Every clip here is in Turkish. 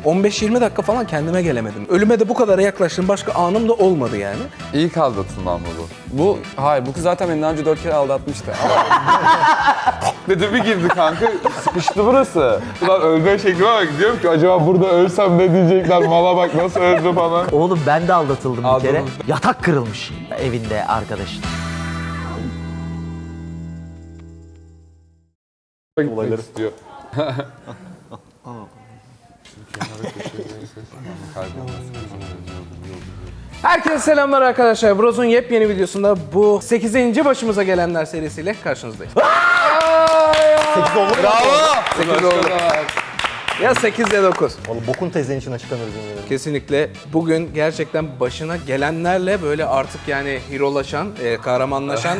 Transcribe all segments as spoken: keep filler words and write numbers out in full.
on beş yirmi dakika falan kendime gelemedim. Ölüme de bu kadar yaklaştığım başka anım da olmadı yani. İlk aldatılmam mı bu? Bu, hayır bu kız zaten beni daha önce dört kere aldatmıştı. Dedi bir girdi kanka, sıkıştı burası. Ulan ölme şeklime bak, diyorum ki acaba burada ölsem ne diyecekler, mala bak nasıl öldü falan. Oğlum ben de aldatıldım bir kere. Aldatıldım. Yatak kırılmış evinde arkadaşın. Olayları istiyor. Herkese selamlar arkadaşlar. Bros'un yepyeni videosunda bu sekizinci başımıza gelenler serisiyle karşınızdayız. sekiz oldu mu? Bravo! sekiz oldu. Ya sekiz ya dokuz. Oğlum bokun tezlerin içine çıkamıyoruz yemin ederim. Kesinlikle bugün gerçekten başına gelenlerle böyle artık yani herolaşan, e, kahramanlaşan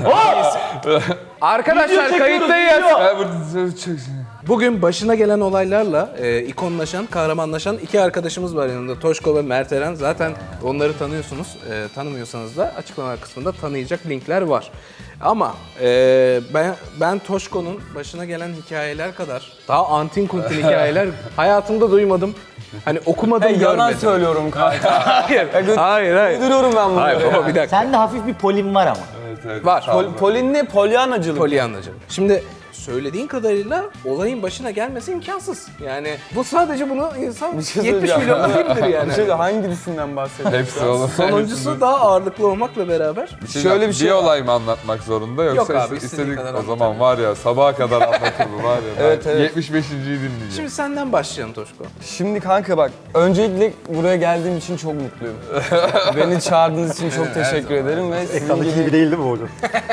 arkadaşlar kayıttayız. Ben burada çok... Bugün başına gelen olaylarla e, ikonlaşan, kahramanlaşan iki arkadaşımız var yanında. Toşko ve Mert Eren. Zaten onları tanıyorsunuz. E, tanımıyorsanız da açıklama kısmında tanıyacak linkler var. Ama e, ben ben Toşko'nun başına gelen hikayeler kadar daha antin kuntin hikayeler hayatımda duymadım. Hani okumadım, Hey, görmedim. yalan söylüyorum kanka. Hayır, hayır, hayır. Uyduruyorum ben bunu. Hayır baba bir dakika. Sende hafif bir polin var ama. Evet, evet. Var. Pol, Polin ne? Polyanacılık. Polyanlacılık. Şimdi söylediğin kadarıyla olayın başına gelmesi imkansız. Yani bu sadece bunu insan şey yetmiş söyleyeceğim. milyon filmdir yani. Bir şey de hangisinden bahsediyorsun? Hepsi oğlum. Sonuncusu daha ağırlıklı olmakla beraber. Şöyle Şöyle bir bir şey şey- olay mı anlatmak zorunda yoksa Yok abi, ist- istediğin istedik kadar o zaman var ya sabaha kadar anlatır bu var ya. Evet, ben evet. yetmiş beşinciyi dinleyeceğim. Şimdi senden başlayalım Toşko. Şimdi kanka bak, öncelikle buraya geldiğim için çok mutluyum. Beni çağırdığınız için çok teşekkür ederim ve sizin Ekrandaki gibi gibi değil değil mi hocam?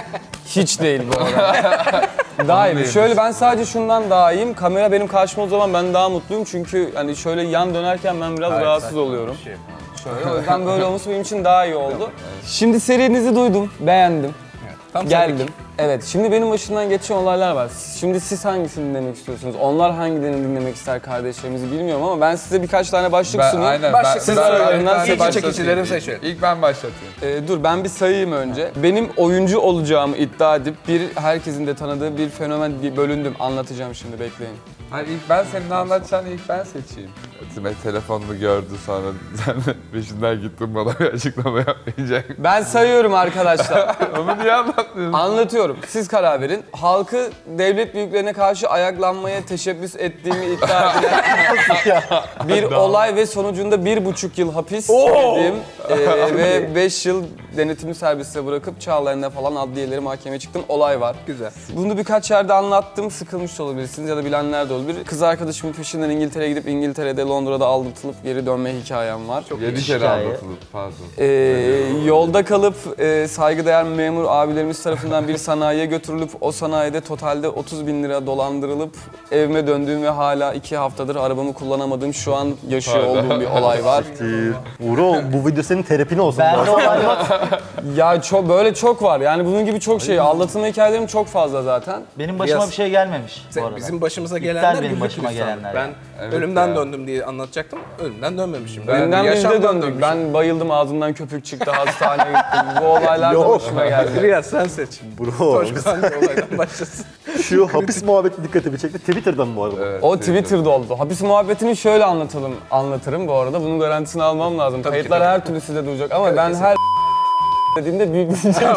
hiç değil bu arada. Daha iyi. Şöyle ben sadece şundan daha iyiyim. Kamera benim karşıma o zaman ben daha mutluyum çünkü hani şöyle yan dönerken ben biraz rahatsız oluyorum. Şöyle o yüzden böyle olması benim için daha iyi oldu. Şimdi serinizi duydum, beğendim. Tam Geldim. Evet, şimdi benim başımdan geçen olaylar var. Şimdi siz hangisini dinlemek istiyorsunuz? Onlar hangilerini dinlemek ister kardeşlerimizi bilmiyorum ama ben size birkaç tane başlık Ben, sunayım. aynen. Başla, ben, siz ben- aralarından ben seçin. başlatayım. çekicileri İlk- seçin. İlk ben başlatayım. Ee, dur ben bir sayayım önce. Benim oyuncu olacağımı iddia edip bir herkesin de tanıdığı bir fenomen bir bölündüm. Anlatacağım şimdi, bekleyin. Hayır ilk ben senin anlatacağını ilk ben seçeyim. Time telefonunu gördü sonra sen de peşinden gittin bana bir açıklama yapmayacak. Ben sayıyorum arkadaşlar. Onu niye anlatmıyorsun? Anlatıyorum. Siz karar verin. Halkı devlet büyüklerine karşı ayaklanmaya teşebbüs ettiğimi iddia edilen bir olay ve sonucunda bir buçuk yıl hapis yedim Ee, ve beş yıl denetimli serbestliğe bırakıp Çağlayan'da falan adliyeleri mahkemeye çıktım. Olay var. Güzel. Bunu birkaç yerde anlattım. Sıkılmış da olabilirsiniz ya da bilenler de olabilir. Kız arkadaşımın peşinden İngiltere'ye gidip İngiltere'de, Londra'da aldatılıp geri dönme hikayem var. Yedi kere hikaye. anlatılıp pardon. Ee, yolda kalıp e, saygıdeğer memur abilerimiz tarafından bir sanayiye götürülüp o sanayide totalde otuz bin lira dolandırılıp evime döndüğüm ve hala iki haftadır arabamı kullanamadığım şu an yaşıyor olduğum bir olay var. Uğur bu video senin terapin olsun. Ben de olay var. Ya çok böyle çok var. Yani bunun gibi çok şey. Aldatılma hikayelerim çok fazla zaten. Benim başıma Biraz- bir şey gelmemiş bu arada. Bizim başımıza İptal gelenler benim güllük başıma gülistanlık. gelenler Ben yani. Evet ölümden ya. döndüm diye anlatacaktım. Ölümden dönmemişim. Ben- Önden biz de yaşamdan döndük. dönmüşüm. Ben bayıldım, ağzımdan köpük çıktı, hastaneye gittim. Bu olaylar da Yok. başıma geldi. Riyaz sen seç. Bro, Toşko hangi olaydan başlasın? şu hapis muhabbeti dikkatimi çekti. Twitter'dan mı bu arada? Evet, O Twitter'da oldu. Hapis muhabbetini şöyle anlatalım, anlatırım bu arada. Bunun garantisini almam lazım. Tabii ki, Kayıtlar tabii. her türlü size duyacak ama ben her dediğimde büyük diyeceksiniz.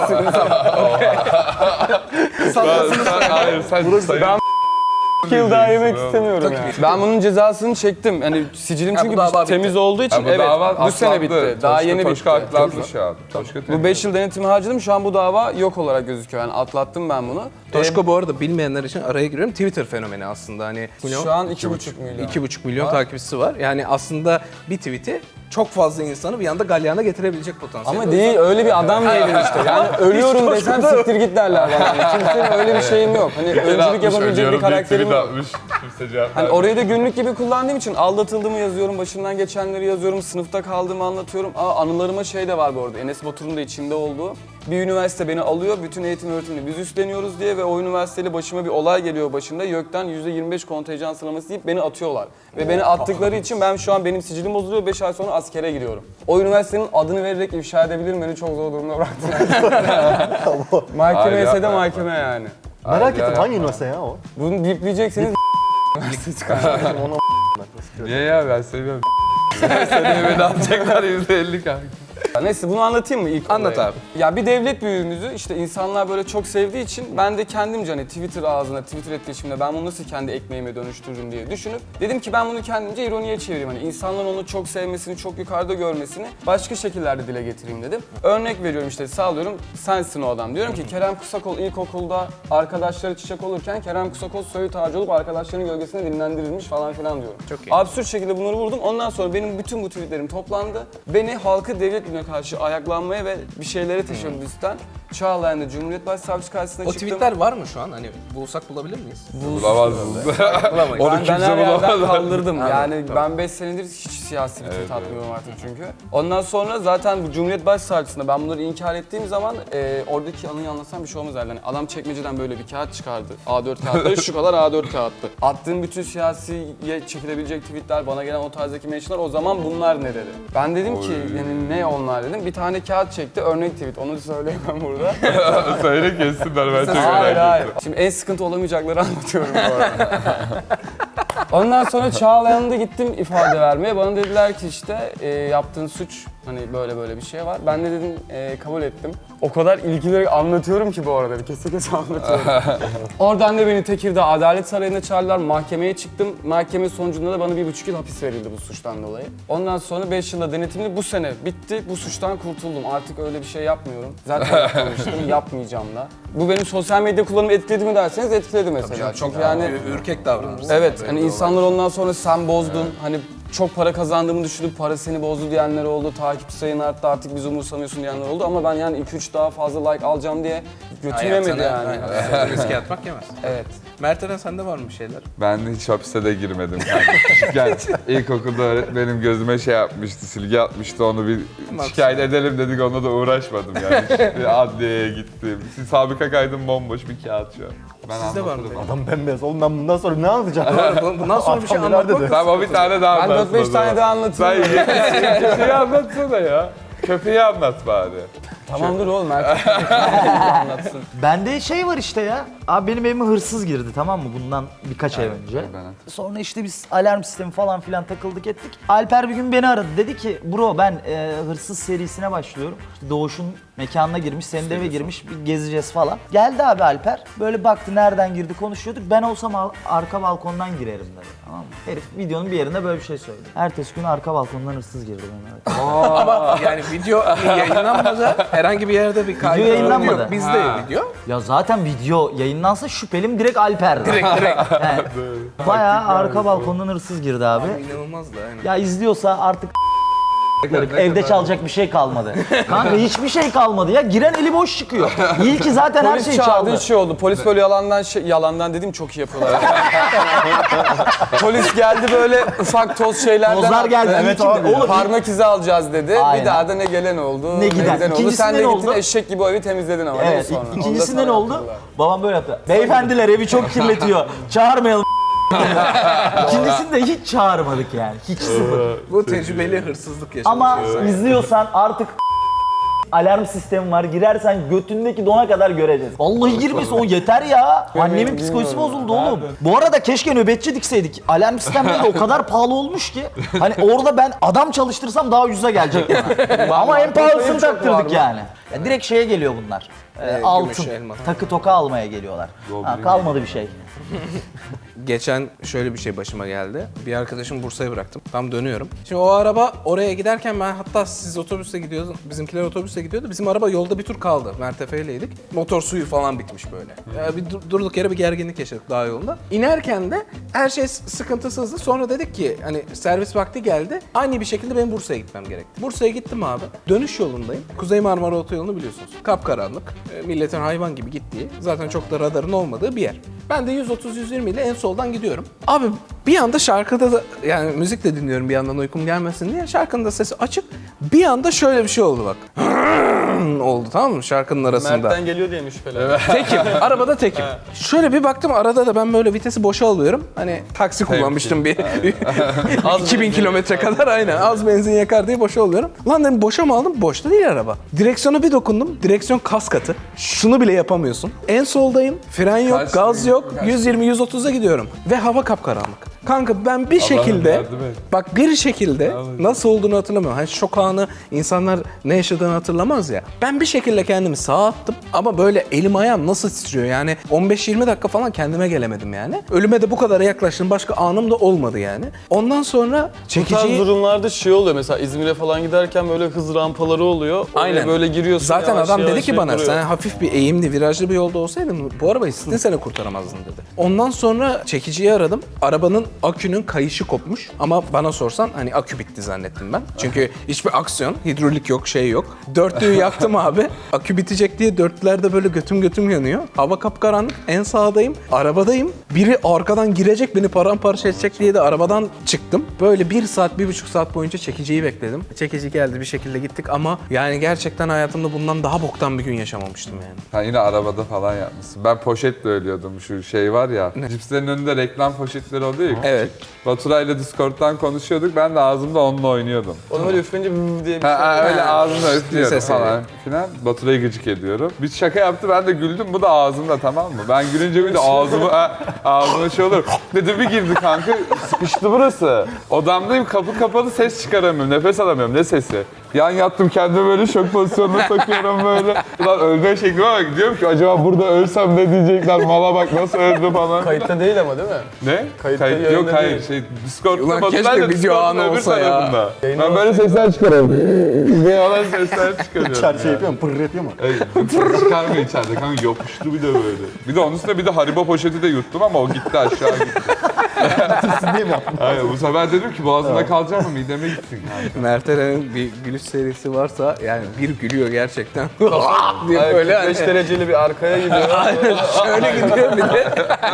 Sen, hayır sen Ben yıl daha yemek Bravo. istemiyorum yani. Ben bunun cezasını çektim. Hani sicilim Ha, bu çünkü dava bir- temiz bitti. olduğu için Ha, bu evet dava bu sene atlandı. bitti. Daha Toşko- yeni Toşko bitti. atlandı şu an. Toşko Bu beş yıl denetimi harcadım. Şu an bu dava yok olarak gözüküyor. Yani atlattım ben bunu. Toşko bu arada bilmeyenler için araya giriyorum. Twitter fenomeni aslında hani. Şu an iki buçuk milyon. iki buçuk milyon takipçisi var. Yani aslında bir tweet'i çok fazla insanı bir anda galyana getirebilecek potansiyel. Ama değil, öyle bir adam değilim işte. Yani ölüyorum desem siktir git derler bana. Yani kimsenin öyle bir şeyim yok. Hani öncülük yapabilecek bir karakterim yok. Hani orayı da günlük gibi kullandığım için aldatıldığımı yazıyorum, başımdan geçenleri yazıyorum, sınıfta kaldığımı anlatıyorum. Aa, anılarıma şey de var bu arada, Enes Batur'un da içinde olduğu. Bir üniversite beni alıyor, bütün eğitim öğretimini biz üstleniyoruz diye ve o üniversiteyle başıma bir olay geliyor başında. YÖK'ten yüzde yirmi beş kontenjan sıralaması deyip beni atıyorlar. Ve beni attıkları için ben şu an benim sicilim bozuluyor, beş ay sonra askere giriyorum. O üniversitenin adını vererek ifşa edebilirim, beni çok zor durumda bıraktılar. Mahkeme ise de mahkeme yani. Merak ettim hangi üniversite ya o? Bunu bipleyeceksiniz. Ona Niye ya ben seviyorum. Seneye beni alacaklar yüzde elli kanka. Neyse bunu anlatayım mı ilk Anlat olayı? abi. Ya bir devlet büyüğümüzü işte insanlar böyle çok sevdiği için ben de kendimce hani Twitter ağzına, Twitter etkileşiminde ben bunu nasıl kendi ekmeğime dönüştürürüm diye düşünüp dedim ki ben bunu kendimce ironiye çevireyim. Hani insanların onu çok sevmesini, çok yukarıda görmesini başka şekillerde dile getireyim dedim. Örnek veriyorum işte sağlıyorum sensin o adam. Diyorum ki Kerem Kısakol ilkokulda arkadaşları çiçek olurken Kerem Kısakol söğüt ağacı olup arkadaşlarının gölgesinde dinlendirilmiş falan filan diyorum. Çok iyi. Absürt şekilde bunları vurdum. Ondan sonra benim bütün bu tweetlerim toplandı. Beni halkı devlet bilimine karşı ayaklanmaya ve bir şeylere teşebbüsten Çağlayan'da Cumhuriyet Başsavcısı karşısına O çıktım. tweetler var mı şu an? Hani bulsak bulabilir miyiz? Bulamazsınız. Bulamayız. Onu Ben, ben kimse her yerden bulamaz. kaldırdım. Anladım, Yani tamam. ben beş senedir hiç siyasi bir tweet atmıyorum artık çünkü. Ondan sonra zaten bu Cumhuriyet Başsavcısına ben bunları inkar ettiğim zaman e, oradaki anıyı anlatsam bir şey olmaz herhalde. Yani adam çekmeceden böyle bir kağıt çıkardı. A dört kağıtları şu kadar A dört kağıttı. Attığım bütün siyasiye çekilebilecek tweetler, bana gelen o tarzdaki mentionlar o zaman bunlar ne dedi. Ben dedim ki yani ne onlar dedim. Bir tane kağıt çekti örnek tweet onu söyleyemem burada. Söyle kessinler ben çok Hayır merak hayır. ettim. Şimdi en sıkıntı olamayacakları anlatıyorum bu arada. Ondan sonra Çağlayan'da gittim ifade vermeye. Bana dediler ki işte e, yaptığın suç hani böyle böyle bir şey var. Ben de dedim e, kabul ettim. O kadar ilgileri anlatıyorum ki bu arada. Kese kese anlatıyorum. Oradan da beni Tekirdağ Adalet Sarayı'na çağırdılar. Mahkemeye çıktım. Mahkeme sonucunda da bana bir buçuk yıl hapis verildi bu suçtan dolayı. Ondan sonra beş yılda denetimli bu sene bitti. Bu suçtan kurtuldum. Artık öyle bir şey yapmıyorum. Zaten yapmamıştım. Yapmayacağım da. Bu benim sosyal medya kullanımı etkiledi mi derseniz etkiledi mesela. Çünkü yani Ür- ürkek davranırsın. evet hani insanlar ondan sonra sen bozdun. Hani çok para kazandığımı düşünüp para seni bozdu diyenler oldu. Takipçi sayın arttı artık bizi umursamıyorsun diyenler oldu. Ama ben yani iki üç daha fazla like alacağım diye götüm yemedi yani. Aynen. Riske atmak yemez. Evet. Mert Eren sende var mı bir şeyler? Ben de hiç hapise de girmedim kanka. Küçükken ilkokulda öğretmenim gözüme şey yapmıştı, silgi atmıştı onu bir şikayet edelim dedik onunla da uğraşmadım yani. İşte adliyeye gittim. Sabıka kaydım bomboş bir kağıt şu an. Ben Sizde var mı anlatırım. Adam bembeyaz. Oğlum ben bundan sonra ne anlatacağım? Doğru, bundan sonra bir şey Adam neler anlatmak dedi? Tamam bir tane daha Ben anlatsın dört beş o zaman. tane daha anlatayım. Sen köpeği anlatsana ya. Köpeği anlat bari. Tamamdır oğlum Mert. anlatsın. Bende şey var işte ya. Abi benim evime hırsız girdi tamam mı bundan birkaç ay önce. ben- Sonra işte biz alarm sistemi falan filan takıldık ettik. Alper bir gün beni aradı. Dedi ki bro ben e, hırsız serisine başlıyorum. İşte Doğuş'un mekanına girmiş, senin de eve girmiş bir gezeceğiz falan. Geldi abi Alper. Böyle baktı nereden girdi konuşuyorduk. Ben olsam al- arka balkondan girerim dedi. Tamam mı? Herif videonun bir yerinde böyle bir şey söyledi. Ertesi gün arka balkondan hırsız girdi bana. Ama yani video yayınlanmadı. Herhangi bir yerde bir kaydı Video yayınlanmadı. yok. Bizde video. Ya zaten video yayınlansa şüphelim direkt Alper'di. Direkt direkt. Yani, bayağı arka balkondan hırsız girdi abi. İnanılmaz da aynen. Ya izliyorsa artık evde çalacak bir şey kalmadı. Kanka hiçbir şey kalmadı ya. Giren eli boş çıkıyor. İyi ki zaten her Polis şeyi çağırdı, çaldı. hiç şey oldu. Polis böyle yalandan şey, yalandan dedim çok iyi yapıyorlar. Polis geldi böyle ufak toz şeylerden Tozlar attı. geldi, evet İyi ki abi. de Oğlum, parmak izi alacağız dedi. Aynen. Bir daha da ne gelen oldu, Ne giden. oldu. Sen İkincisinden de gittin oldu. eşek gibi o evi temizledin ama değil mi Evet, sonra? ik- ikincisinde Onu da ne sana oldu? yaptılar. Babam böyle yaptı. Beyefendiler evi çok kirletiyor. Çağırmayalım. İkincisini de hiç çağırmadık yani. Hiç sıfır. Bu tecrübeli hırsızlık yaşamış. Ama insan. izliyorsan artık alarm sistemi var. Girersen götündeki dona kadar göreceğiz. Vallahi girmesin o yeter ya. Annemin bilmiyorum psikolojisi ya. bozuldu oğlum. Bu arada keşke nöbetçi dikseydik. Alarm sistemleri de o kadar pahalı olmuş ki. Hani orada ben adam çalıştırsam daha ucuza gelecek. Ama en pahalısını çok var taktırdık mı? yani. Ya direkt şeye geliyor bunlar. Ee, Ee, altın, gümüş, elma. takı toka almaya geliyorlar. Ha, kalmadı bir şey. Geçen şöyle bir şey başıma geldi. Bir arkadaşımı Bursa'ya bıraktım. Tam dönüyorum. Şimdi o araba oraya giderken ben hatta siz otobüste gidiyordunuz. Bizimkiler otobüste gidiyordu. Bizim araba yolda bir tur kaldı. Mertefe'yleydik. Motor suyu falan bitmiş böyle. Ya bir dur- durduk yere bir gerginlik yaşadık dağ yolunda. İnerken de her şey s- sıkıntısızdı. Sonra dedik ki hani servis vakti geldi. Aynı bir şekilde benim Bursa'ya gitmem gerekti. Bursa'ya gittim abi. Dönüş yolundayım. Kuzey Marmara Otoyolu'nu biliyorsunuz. Kapkaranlık. E, Milletin hayvan gibi gittiği. Zaten çok da radarın olmadığı bir yer. Ben de yüz otuz yüz yirmi ile en soldan gidiyorum. Abi bir anda şarkıda da yani müzik de dinliyorum bir yandan uykum gelmesin diye. Şarkının da sesi açık. Bir anda şöyle bir şey oldu bak. oldu tamam mı şarkının arasında. Mert'ten geliyor diye mi şüphelen? Tekim. Arabada tekim. Şöyle bir baktım arada da ben böyle vitesi boşa alıyorum. Hani taksi kullanmıştım bir iki bin kilometre kadar aynen. Az benzin yakar diye boşa alıyorum. Lan dedim boşa mı aldım? Boşta değil araba. Direksiyona bir dokundum. Direksiyon kas katı. Şunu bile yapamıyorsun. En soldayım. Fren yok, Kaç- gaz yok. kaç- yüz yirmi yüz otuza gidiyorum. Ve hava kapkaranlık. Kanka ben bir şekilde, yardım et. bak bir şekilde nasıl olduğunu hatırlamıyorum. Hani şok anı insanlar ne yaşadığını hatırlamaz ya. Ben bir şekilde kendimi sağa attım ama böyle elim ayağım nasıl titriyor yani on beş yirmi dakika falan kendime gelemedim yani. Ölüme de bu kadar yaklaştım, başka anım da olmadı yani. Ondan sonra Bu tarz çekiciyi... durumlarda şey oluyor mesela İzmir'e falan giderken böyle hız rampaları oluyor. Oraya Aynen. böyle giriyorsun. Zaten yavaş adam yavaş dedi ki bana duruyor. sen hafif bir eğimli, virajlı bir yolda olsaydın bu arabayı sizin sene kurtaramazdın dedi. Ondan sonra çekiciyi aradım. Arabanın akünün kayışı kopmuş ama bana sorsan hani akü bitti zannettim ben. Çünkü hiçbir aksiyon, hidrolik yok, şey yok. Dörtlüğü yaktım abi. Akü bitecek diye dörtlülerde böyle götüm götüm yanıyor. Hava kapkaranlık. En sağdayım. Arabadayım. Biri arkadan girecek beni paramparça edecek diye de arabadan çıktım. Böyle bir saat, bir buçuk saat boyunca çekiciyi bekledim. Çekici geldi, bir şekilde gittik ama yani gerçekten hayatımda bundan daha boktan bir gün yaşamamıştım yani. Ha yine arabada falan yapmışsın. Ben poşetle ölüyordum, şu şey var ya. Cipslerin önünde reklam poşetleri oluyor ya. Evet. Baturay'la Discord'dan konuşuyorduk. Ben de ağzımda onunla oynuyordum. Onu böyle üfleyince vv diye bir şey. Ha, ha, öyle ağzımda üflüyorum Sesi. falan filan. Baturay'ı gıcık ediyorum. Bir şaka yaptı, ben de güldüm. Bu da ağzımda, tamam mı? Ben gülünce bir de ağzımı, ha, ağzıma şey olur. Dedi bir girdi kanka, sıkıştı burası. Odamdayım, kapı kapalı, ses çıkaramıyorum, nefes alamıyorum. Ne sesi? Yan yattım, kendimi böyle şok pozisyonuna sokuyorum böyle. Ulan ölme şeklime bak, diyorum ki acaba burada ölsem ne diyecekler, mala bak nasıl öldü falan. Kayıtta değil ama değil mi? Ne? Kayıtta, Kayıt yok, yayında hayır. değil. Şey, Discord'da Ulan Baturay'la keşke video Discord'un anı öbür olsa ya. tarafında. Yayında Ben böyle sesler çıkarıyorum. Ne yalan sesler çıkarıyorum. İçeride şey yapıyor mu? Pırr yapıyor mu? Ey, pır çıkarmıyor içeride kanka, yapıştı bir de böyle. Bir de onun üstüne bir de Haribo poşeti de yuttum ama o gitti, aşağı gitti. Sizin değil mi yaptın? Aynen, bu sefer dedim ki boğazımda kalacak mı, mideme gitsin kanka. Mert Eren'in bir gülüş serisi varsa yani bir gülüyor gerçekten. diye Ay, böyle kırk beş hani dereceli bir arkaya gidiyor. şöyle gidiyor bir de.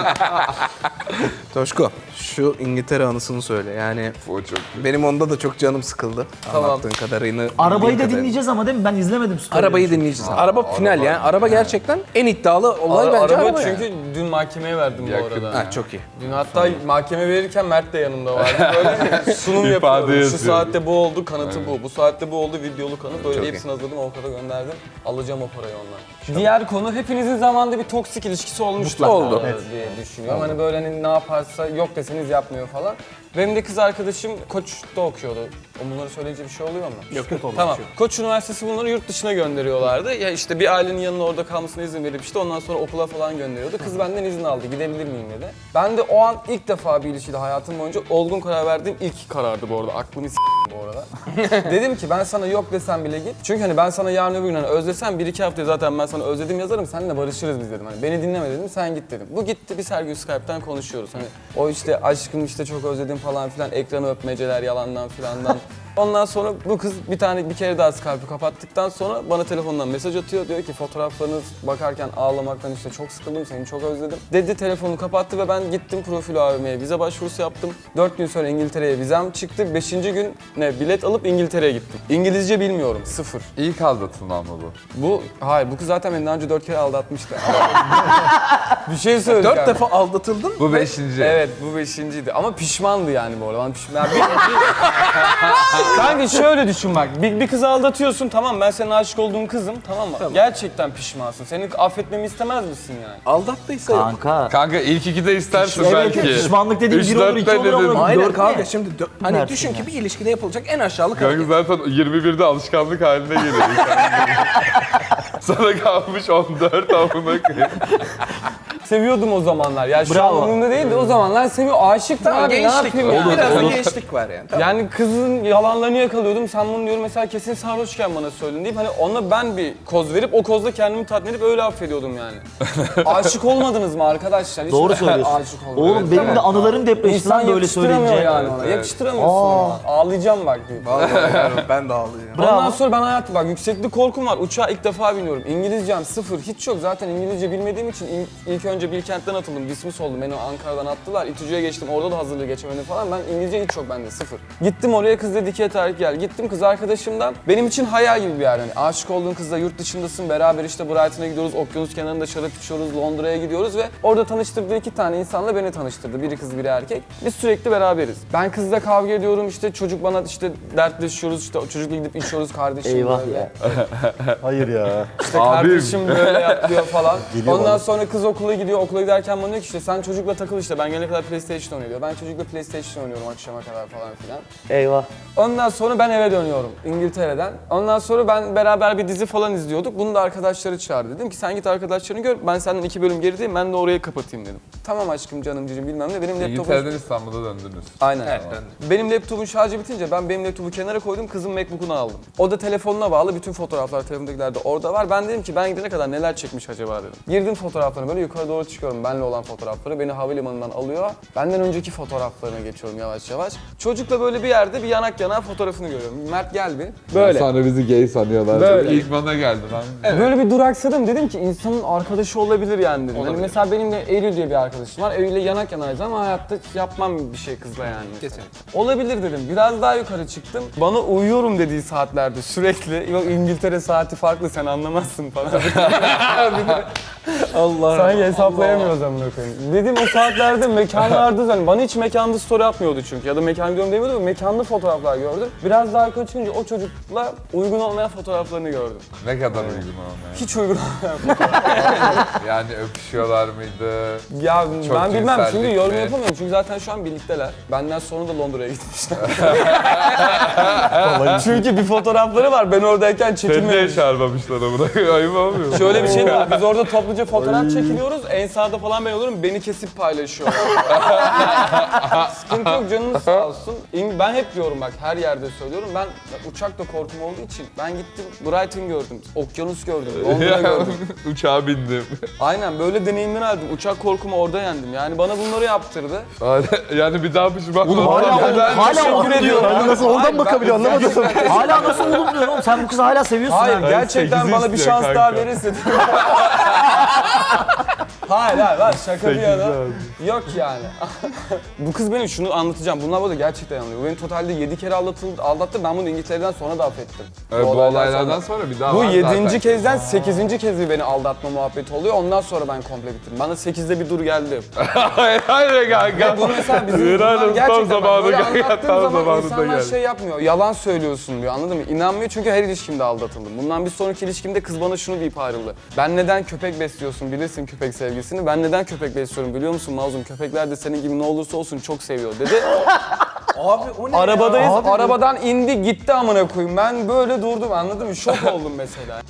Toşko, şu İngiltere anısını söyle. Yani O çok iyi. benim onda da çok canım sıkıldı. Tamam. Anlattığın kadarını. Arabayı da bildiğin kadarıyla. dinleyeceğiz ama değil mi? Ben izlemedim story'leri. Arabayı dinleyeceğiz. araba final yani. Araba gerçekten en iddialı olay Ara- bence araba araba çünkü yani. dün mahkemeye verdim bu Yakın. arada. Ha, çok iyi. Dün hatta mahkeme verirken Mert de yanımda vardı. Böyle sunum İfade yapıyordu. Şu yazıyor. saatte bu oldu, kanıtı bu. Bu saatte bu oldu, videolu kanıt. Böyle Çok hepsini hazırladım, avukata gönderdim. Alacağım o parayı ondan. Diğer konu, hepinizin zamanında bir toksik ilişkisi olmuştur Oldu. diye düşünüyorum. Hani böyle hani ne yaparsa yok deseniz yapmıyor falan. Benim de kız arkadaşım Koç'ta okuyordu. O bunları söyleyince bir şey oluyor mu? Yok yok olmaz. Tamam. Koç Üniversitesi bunları yurt dışına gönderiyorlardı. Ya işte bir ailenin yanına orada kalmasına izin verip işte ondan sonra okula falan gönderiyordu. Kız benden izin aldı. Gidebilir miyim dedi. Ben de o an ilk defa bir ilişkide hayatım boyunca olgun karar verdiğim ilk karardı bu arada. Aklımı s*** bu arada. Dedim ki ben sana yok desem bile git. Çünkü hani ben sana yarın öbür gün hani özlesem bir iki haftaya zaten ben sana özledim yazarım. Seninle barışırız biz dedim. Hani beni dinleme dedim. Sen git dedim. Bu gitti. Biz her gün Skype'ten konuşuyoruz. Hani o işte aşkım işte çok özledim falan filan. Ekranı öpmeceler yalandan filandan. Ondan sonra bu kız bir tane bir kere daha Skype'ı kapattıktan sonra bana telefondan mesaj atıyor. Diyor ki fotoğraflarınız bakarken ağlamaktan işte çok sıkıldım, seni çok özledim. Dedi, telefonu kapattı ve ben gittim profil A V M'ye vize başvurusu yaptım. Dört gün sonra İngiltere'ye vizem çıktı. Beşinci gün ne bilet alıp İngiltere'ye gittim. İngilizce bilmiyorum, sıfır. İlk aldatılma mı bu? Bu, hayır bu kız zaten beni daha önce dört kere aldatmıştı. Bir şey söyleyeceğim. Dört defa aldatıldın. Bu beşinci. Evet bu beşinciydi ama pişmandı yani bu arada. Ben pişman. Bir, bir... Kanka şöyle düşün bak. Bir, bir kızı aldatıyorsun, tamam, ben senin aşık olduğun kızım, tamam mı? Gerçekten pişmansın. Seni affetmemi istemez misin yani? Aldattıysa yok. Kanka. Kanka ilk ikide istersin Evet, belki. pişmanlık dediğin Üç, bir olur, dört iki de olur ama dedin. dört Aynen ne? kanka şimdi dö- hani Dersin düşün ya. ki bir ilişkide yapılacak en aşağılık Kanka hareket. zaten yirmi birde alışkanlık haline geliyor. Sana kalmış on dört amına koyayım. Seviyordum o zamanlar. Ya şu Bravo. an umurumda değil de o zamanlar seviyor. Aşıktım Tamam, abi, ne gençlik yapayım var. yani? Biraz da Olur. gençlik var yani. Tamam. Yani kızın yalanlarını yakalıyordum. Sen bunu diyorum mesela kesin sarhoşken bana söyledin deyip hani ona ben bir koz verip o kozla kendimi tatmin edip öyle affediyordum yani. Aşık olmadınız mı arkadaşlar? Hiç Doğru söylüyorsun. Aşık olmadım. Oğlum benim de anılarım depreşti İnsan lan böyle yakıştıramıyor söyleyince. yani ona. Yakıştıramıyorsun Aa. ona. Ağlayacağım bak. deyip. Vallahi ben de ağlıyorum. Bravo. Ondan sonra ben hayatım bak yükseklik korkum var. Uçağa ilk defa biniyorum. İngilizcem sıfır. Hiç yok. Zaten İngilizce bilmediğim için in- ilk önce Bilkent'ten atıldım. Dismiss oldum. Beni Ankara'dan attılar. İTÜ'ye geçtim. Orada da hazırlığı geçemedim falan. Ben İngilizce hiç yok bende. Sıfır. Gittim oraya, kız dedi ki yeter gel. Gittim kız arkadaşımdan. Benim için hayal gibi bir yer. Yani aşık olduğun kızla yurt dışındasın. Beraber işte Brighton'a gidiyoruz. Okyanus kenarında şarap içiyoruz. Londra'ya gidiyoruz ve orada tanıştırdığı iki tane insanla beni tanıştırdı. Biri kız biri erkek. Biz sürekli beraberiz. Ben kızla kavga ediyorum. İşte çocuk bana işte dertleşiyoruz. İşte o çocukla gidip içiyoruz kardeşim. Eyvah böyle. ya. Hayır ya. İşte Abim. kardeşim böyle yapıyor falan. Geliyor Ondan bana. sonra kız okula gidiyor. geliyor okula giderken bana diyor ki işte sen çocukla takıl işte ben gelene kadar PlayStation oynuyor diyor. Ben çocukla PlayStation oynuyorum akşama kadar falan filan. Eyvah. Ondan sonra ben eve dönüyorum İngiltere'den. Ondan sonra ben beraber bir dizi falan izliyorduk. Bunu da arkadaşları çağırdı. Dedim ki sen git arkadaşlarını gör. Ben senden iki bölüm gerideyim. Ben de orayı kapatayım dedim. Tamam aşkım canım cicim bilmem ne. Benim laptopum... İngiltere'den İstanbul'a döndünüz. Aynen. Evet, Benim laptopun şarjı bitince ben benim laptopu kenara koydum. Kızım MacBook'unu aldım. O da telefonuna bağlı. Bütün fotoğraflar telefondakiler de orada var. Ben dedim ki ben gidene kadar neler çekmiş acaba dedim. Girdim fotoğraflarına böyle yukarı doğru çıkıyorum. Benle olan fotoğrafları. Beni havalimanından alıyor. Benden önceki fotoğraflarına geçiyorum yavaş yavaş. Çocukla böyle bir yerde bir yanak yanağa fotoğrafını görüyorum. Mert gel bir. Böyle. Sonra bizi gay sanıyorlar. Böyle. İlk bana geldi lan. Böyle bir duraksadım dedim ki insanın arkadaşı olabilir yani dedim. Hani mesela benim de Eylül diye bir arkadaşım var. Eylül'le yanak yanayız ama hayatta yapmam bir şey kızla yani. Mesela. Kesinlikle. Olabilir dedim. Biraz daha yukarı çıktım. Bana uyuyorum dediği saatlerde sürekli. Yok İngiltere saati farklı sen anlamazsın falan. Allah. Sanki hesaplayamıyoruz amına koyayım. Dedim o saatlerde mekanlarda hani bana hiç mekanda story atmıyordu çünkü ya da mekan gidiyorum demiyordu. Mekanlı fotoğraflar gördüm. Biraz daha yukarı çıkınca o çocukla uygun olmayan fotoğraflarını gördüm. Ne kadar uygun olmuyor. Hiç uygun Yani öpüşüyorlar mıydı? Ya Çok ben bilmem çünkü cinsellik yorum mi? yapamıyorum çünkü zaten şu an birlikteler. Benden sonra da Londra'ya gitmişler. Çünkü bir fotoğrafları var ben oradayken Seni çekilmemiş. çağırmamışlar amına. Ayıp olmuyor mu? Şöyle bir şey var biz orada topluca fotoğraf çekiliyoruz. En sağda falan ben olurum beni kesip paylaşıyorlar. Sıkıntı yok canınız sağ olsun. İng- Ben hep diyorum bak her yerde söylüyorum ben uçakta korkum olduğu için ben gittim Brighton gördüm, okyanus gördüm, Londra gördüm. Uçağa bindim. Aynen böyle deneyimler aldım. Uçak korkumu orada yendim. Yani bana bunları yaptırdı. Yani bir daha pişman Oğlum hala olmam. oğlum, hala oğlum diyor. Yani nasıl oradan Hayır, bakabiliyor ben- anlamadım. Hala nasıl oğlum diyorsun oğlum? Sen bu kızı hala seviyorsun Hayır ha. gerçekten sekizi bana bir istiyor şans kanka. daha verirse. Hayır hayır hayır şaka bir yana. Yok yani. Bu kız benim şunu anlatacağım. Bunlar burada gerçekten yanılıyor. Bu beni totalde yedi kere aldatıldı, aldattı. Ben bunu İngiltere'den sonra da affettim. Evet, bu olaylardan sonra bir daha Bu var yedinci zaten. kezden sekizinci kez bir beni aldatma muhabbeti oluyor. Ondan sonra ben komple bitirdim. Bana sekizde bir dur geldi. Hayır hayır kanka. Bunu mesela bizim Helal bunlar olsun, gerçekten tam bak, böyle zamanında geldi, anlattığım tam zaman zamanında insanlar geldi. şey yapmıyor. Yalan söylüyorsun diyor anladın mı? İnanmıyor çünkü her ilişkimde aldatıldım. Bundan bir sonraki ilişkimde kız bana şunu deyip ayrıldı. Ben neden köpek besliyorsun bilirsin köpek sevgisini. Ben neden köpek besliyorum biliyor musun Mazlum? Köpekler de senin gibi ne olursa olsun çok seviyor dedi. Abi o ne Arabadayız. ya? Arabadan indi gitti amına koyayım. Ben böyle durdum anladın mı? Şok oldum mesela.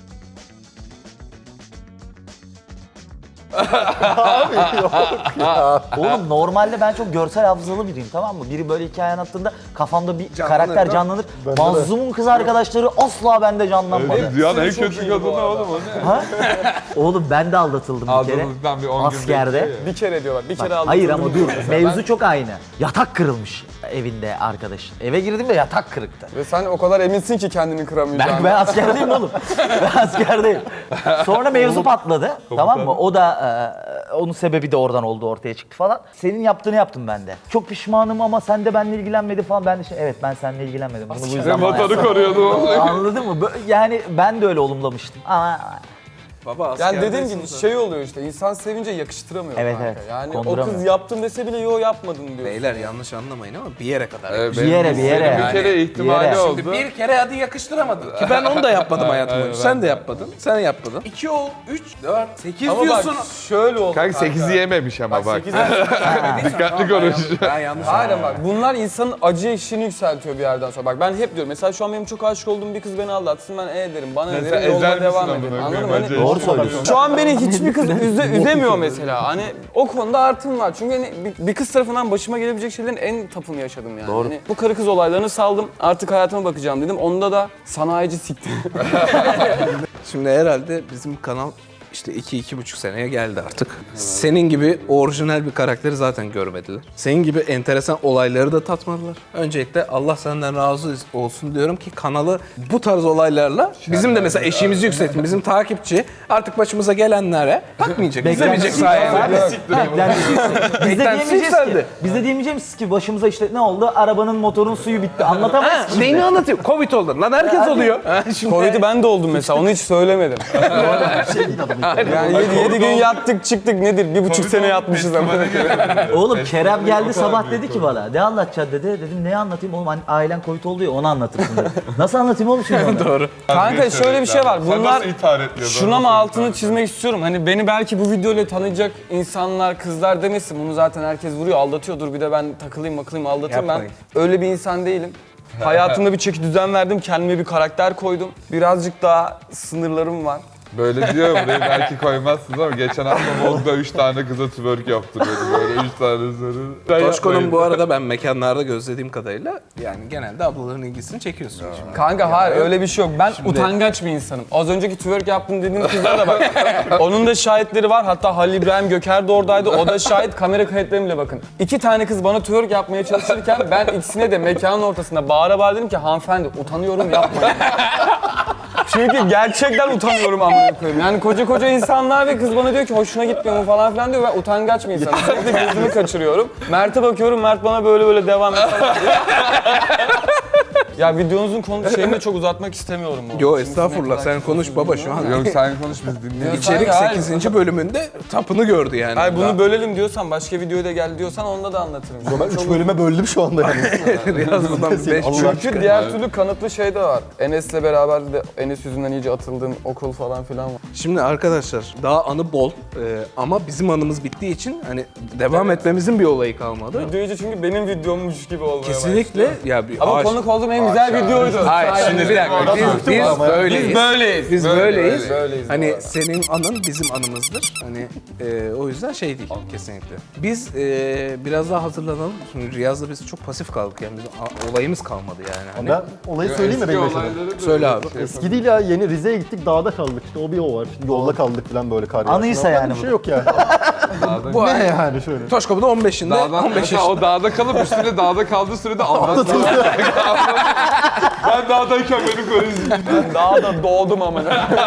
Oğlum normalde ben çok görsel hafızalı biriyim tamam mı? Biri böyle hikaye anlattığında kafamda bir Canlanır, karakter değil mi? canlanır. Mazlum'un kız arkadaşları asla bende canlanmadı. Dünyanın en Çok kötü iyi kadını bu arada. oğlum o ne? Ha? Oğlum ben de aldatıldım bir kere. Aldığınızdan bir on gün Askerde. bekliyor ya. Bir kere diyorlar. Bir kere aldım. Hayır ama dur mevzu çok aynı. Yatak kırılmış evinde arkadaşın. Eve girdim de yatak kırıktı. Ve sen o kadar eminsin ki kendini kıramayacağını. Ben, ben askerdeyim oğlum. Ben askerdeyim. Sonra mevzu patladı. Tamam mı? O da e, onun sebebi de oradan oldu ortaya çıktı falan. Senin yaptığını yaptım ben de. Çok pişmanım ama sen de benimle ilgilenmedi falan. Ben de şey evet ben seninle ilgilenmedim. Bunu bu Sen yüzden bana motoru yaptın. koruyordun oğlum. Anladın mı? Bö- Yani ben de öyle olumlamıştım. Ama Baba Yani askerdesin dediğim gibi sen. şey oluyor işte insan sevince yakıştıramıyor Evet, kanka. evet. Yani o Konduramıyor. kız yaptım dese bile yo yapmadın diyor. Beyler yanlış anlamayın ama bir yere kadar. Evet, Bir benim yere, bir yere. Bir kere Yani, ihtimali bir yere. oldu. Şimdi bir kere hadi yakıştıramadın. Ki ben onu da yapmadım hayatım Aynen, boyunca. ben Sen de de. yapmadın. Sen yapmadın. iki ol, üç, dört, sekiz Ama diyorsun. bak şöyle oldu Kanka sekizi yememiş ama bak. sekiz Dikkatli konuş. Ben yanlış Aynen bak bunlar insanın acı eşiğini yükseltiyor bir yerden sonra. Bak ben hep diyorum mesela şu an benim çok aşık olduğum bir kız beni aldatsın ben e derim bana ne Mesela derim ezer yoluma misin devam amına ederim koyayım, anladın mı? acı Hani, doğru söylüyorsun. şu an beni hiçbir kız üze, üzemiyor mesela hani o konuda artım var çünkü hani bir, bir kız tarafından başıma gelebilecek şeylerin en tapını yaşadım yani. Doğru. Hani bu karı kız olaylarını saldım artık hayatıma bakacağım dedim onda da sanayici sikti. Şimdi herhalde bizim kanal işte iki iki buçuk seneye geldi artık. Senin gibi orijinal bir karakteri zaten görmediler. Senin gibi enteresan olayları da tatmadılar. Öncelikle Allah senden razı olsun diyorum ki kanalı bu tarz olaylarla bizim de mesela eşiğimizi yükseltin. Bizim takipçi artık başımıza gelenlere bakmayacak. İzlemeyecek sayende. Beklentisi yüksek. Biz de Beklentisi diyemeyeceğiz ki. yükseldi. Biz de diyemeyeceğiz ki başımıza işte ne oldu? Arabanın motorun suyu bitti. Anlatamayız ki. Neyini anlatayım? Covid oldu. Lan herkes oluyor. Ha, şimdi- Covid'i ben de oldum mesela onu hiç söylemedim. Şey değil adam. Yani yedi, yedi gün yattık çıktık nedir? Bir buçuk sene yatmışız ama. Oğlum Kerem geldi sabah dedi ki bana ne anlatacaksın dedi. Dedim ne anlatayım oğlum hani ailen Covid oldu ya onu anlatırsın dedi. Nasıl anlatayım oğlum şimdi onu? Doğru. Kanka şöyle bir şey var. Sen Bunlar nasıl ithal etmiyordun? şuna mı altını çizmek istiyorum. Hani beni belki bu videoyla tanıyacak insanlar, kızlar demesin. Bunu zaten herkes vuruyor, aldatıyordur. Bir de ben takılayım, makılayım, aldatayım. Ben Yapmayın. öyle bir insan değilim. Hayatımda bir çeki düzen verdim. Kendime bir karakter koydum. Birazcık daha sınırlarım var. Böyle diyor burayı belki koymazsınız ama geçen hafta Vogue'da üç tane kıza twerk yaptırıyordu böyle üç tane soru. Toşko'nun bu arada ben mekanlarda gözlediğim kadarıyla yani genelde ablaların ilgisini çekiyorsun şimdi. Kanka hayır öyle bir şey yok. Ben utangaç bir insanım. Az önceki twerk yaptım dediğim kızlara da bak. Onun da şahitleri var. Hatta Halil İbrahim Göker de oradaydı. O da şahit. Kamera kayıtlarına bile bakın. İki tane kız bana twerk yapmaya çalışırken ben ikisine de mekanın ortasında bağıra bağıra dedim ki hanımefendi utanıyorum yapmayın. Çünkü gerçekten utanıyorum amına koyayım. Yani koca koca insanlar ve kız bana diyor ki hoşuna gitmiyor mu falan filan diyor. Ben utangaç bir insanım. Sürekli gözümü kaçırıyorum. Mert'e bakıyorum. Mert bana böyle böyle devam et falan diyor. Ya videonuzun konu şeyini de çok uzatmak istemiyorum. bu. Yo Çünkü estağfurullah ne sen kadar konuş baba şu an. Yok sen konuş biz dinleyelim. İçerik Hayır. sekizinci bölümünde tapını gördü yani. Hayır bunu Daha. bölelim diyorsan başka videoya da gel diyorsan onda da anlatırım. Ben üç bölüme böldüm şu anda yani. Biraz bundan beş Allah Çünkü diğer türlü kanıtlı şey de var. Enes'le beraber de Enes yüzünden iyice atıldığım okul falan filan var. Şimdi arkadaşlar daha anı bol e, ama bizim anımız bittiği için hani devam etmemizin bir olayı kalmadı. Video iyice çünkü benim videommuş gibi olmaya Kesinlikle ya bir Ama Aa, konuk olduğum en güzel videoydu. Hayır şimdi bir dakika biz, biz böyleyiz. Biz böyleyiz. Biz Böyle- böyleyiz. böyleyiz bu Hani arada. senin anın bizim anımızdır. Hani e, o yüzden şey değil kesinlikle. Biz e, biraz daha hazırlanalım. Şimdi Riyaz'la biz çok pasif kaldık yani bizim a- olayımız kalmadı yani. Hani Ben olayı söyleyeyim mi benim yaşadığım? Söyle abi. Eski değil ya yeni Rize'ye gittik dağda kaldık işte o bir o var. Şimdi yolda kaldık falan böyle kar yağışında. Anıysa Ondan yani bir bu. şey yok yani. bu Ne ay yani şöyle. Toşko bu da on beşinde Dağdan, on beş mesela yaşında. o dağda kalıp üstüne dağda kaldığı sürede anlatmıyor. Ben dağdayken beni koruyun. Ben daha da doğdum ama.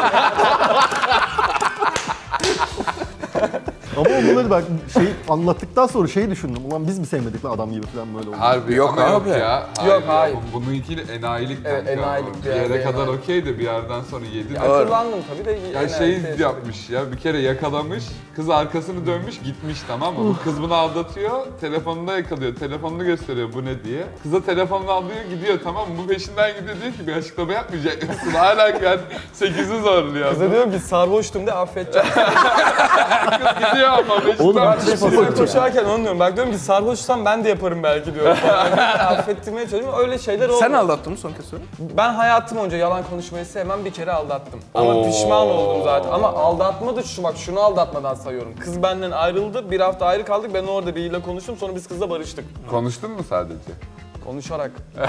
Ama bunları bak şey anlattıktan sonra şeyi düşündüm. Ulan biz mi sevmedik lan adam gibi falan böyle oldu. Harbi Yok ama abi. Yok ya. Yok, hayır. Bu- Bununki enayilik Evet, kanka. enayilik Bir bir yere yerde kadar enayilik. okeydi bir yerden sonra yedi. Akıllandım tabii de. Ya en şey erkek- yapmış ya bir kere yakalamış, kız arkasını dönmüş gitmiş tamam mı? Bu kız bunu aldatıyor, telefonunda yakalıyor, telefonunu gösteriyor bu ne diye. Kıza telefonunu alıyor gidiyor tamam mı? Bu peşinden gidiyor diyor ki bir açıklama yapmayacak mısın? Hala yani sekizi zorluyor. Kıza diyorum ki sarhoştum de affedeceğim. Kız gidiyor ama peşinden Oğlum, bir şey Sonra koşarken onu diyorum. Bak diyorum ki sarhoşsam ben de yaparım belki diyorum. Affettirmeye çalışıyorum. Öyle şeyler oldu. Sen aldattın mı son kez söyle? Ben hayatım boyunca yalan konuşmayı sevmem. Bir kere aldattım. Ama Oo. pişman oldum zaten. Ama aldatma da şu bak şunu aldatmadan sayıyorum. Kız benden ayrıldı. Bir hafta ayrı kaldık. Ben orada biriyle konuştum. Sonra biz kızla barıştık. Konuştun mu sadece? Konuşarak.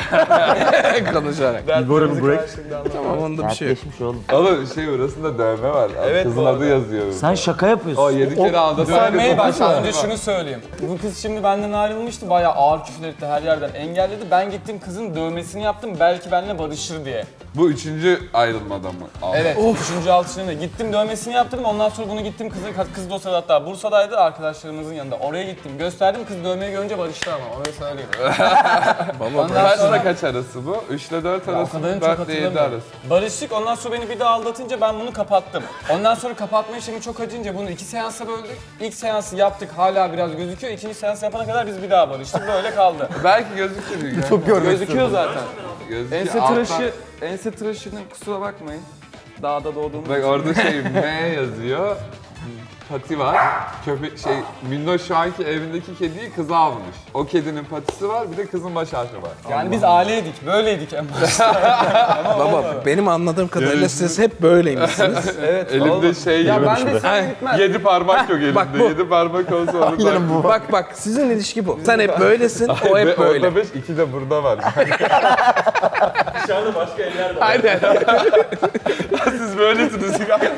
Konuşarak. Dertlerimizi break. karşılıklı anlattık. Tamam onda bir şey yok. Geçmiş oğlum. Oğlum şey orasında dövme var. Evet, Kızın bu adı arada. yazıyor. Sen şaka yapıyorsun. O yedi kere aldatan Dövmeyi bak kız. önce şunu söyleyeyim. Bu kız şimdi benden ayrılmıştı. Bayağı ağır küfür etti. Her yerden engelledi. Ben gittim kızın dövmesini yaptım. Belki benimle barışır diye. Bu üçüncü ayrılmadan mı? Aldın? Evet. Üçüncü altışında gittim dövmesini yaptırdım. Ondan sonra bunu gittim kızın kız da o sırada hatta Bursa'daydı arkadaşlarımızın yanında. Oraya gittim. Gösterdim kız dövmeyi görünce barıştı ama onu söyleyeyim. Baba Ondan Kaçla sonra kaç arası bu? üç ile dört o arası kadarını mı? çok dört ile yedi hatırlamıyorum. arası. Barıştık ondan sonra beni bir daha aldatınca ben bunu kapattım. Ondan sonra kapatma işlemi çok acınca bunu iki seansa böldük. İlk seansı yaptık hala biraz gözüküyor. İkinci seans yapana kadar biz bir daha barıştık. Böyle kaldı. Belki gözükür. Çok görmek Gözüküyor zaten. Gözüküyor. Ense Alttan- tıraşı, ense tıraşını kusura bakmayın. Dağda doğduğum Bak orada şey M yazıyor. Pati var. Köpek şey Minnoş şu anki evindeki kediyi kıza almış. O kedinin patisi var bir de kızın baş harfi var. Yani biz aileydik, böyleydik en başta. Baba benim anladığım kadarıyla siz hep böyleymişsiniz. Evet, Elimde oldu. şey Ya gibi. ben de sen gitmez. Yedi parmak yok elimde. Bak bu. Yedi parmak olsa onu da. Bak bak sizin ilişki bu. Sen hep böylesin, o hep Orada böyle. beş, iki de burada var. Aynen. Siz böylesiniz.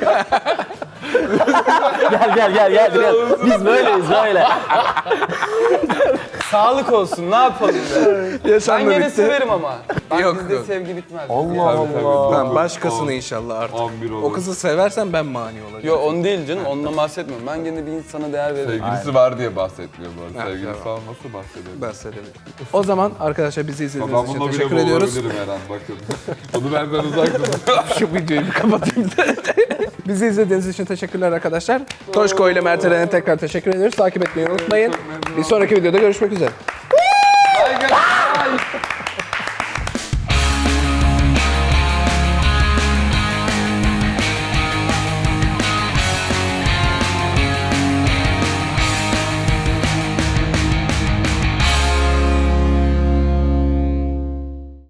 Gel gel gel gel. gel. Biz böyleyiz böyle. Sağlık olsun, ne yapalım be? Ben Yaşandı gene bitti. severim ama. Ben Yok, bizde yok. sevgi bitmez. Allah Allah. Tamam başkasını inşallah artık. on bir olur. O kızı seversen ben mani olacağım. Yok onu değil canım, onunla bahsetmiyorum. Ben gene bir insana değer veririm. Sevgilisi var diye bahsetmiyor bu arada. Ha, Sevgilisi tamam. olmasa bahsedelim. Bahsedelim. O zaman arkadaşlar bizi Ben izlediğiniz için bununla bile teşekkür ediyoruz. boğulabilirim her an bakın. Onu benden uzak tutun. Şu videoyu bir kapatayım. Bizi izlediğiniz için teşekkürler arkadaşlar. Toşko ile Mert Eren'e tekrar teşekkür ediyoruz. Takip etmeyi unutmayın. Bir sonraki videoda görüşmek üzere.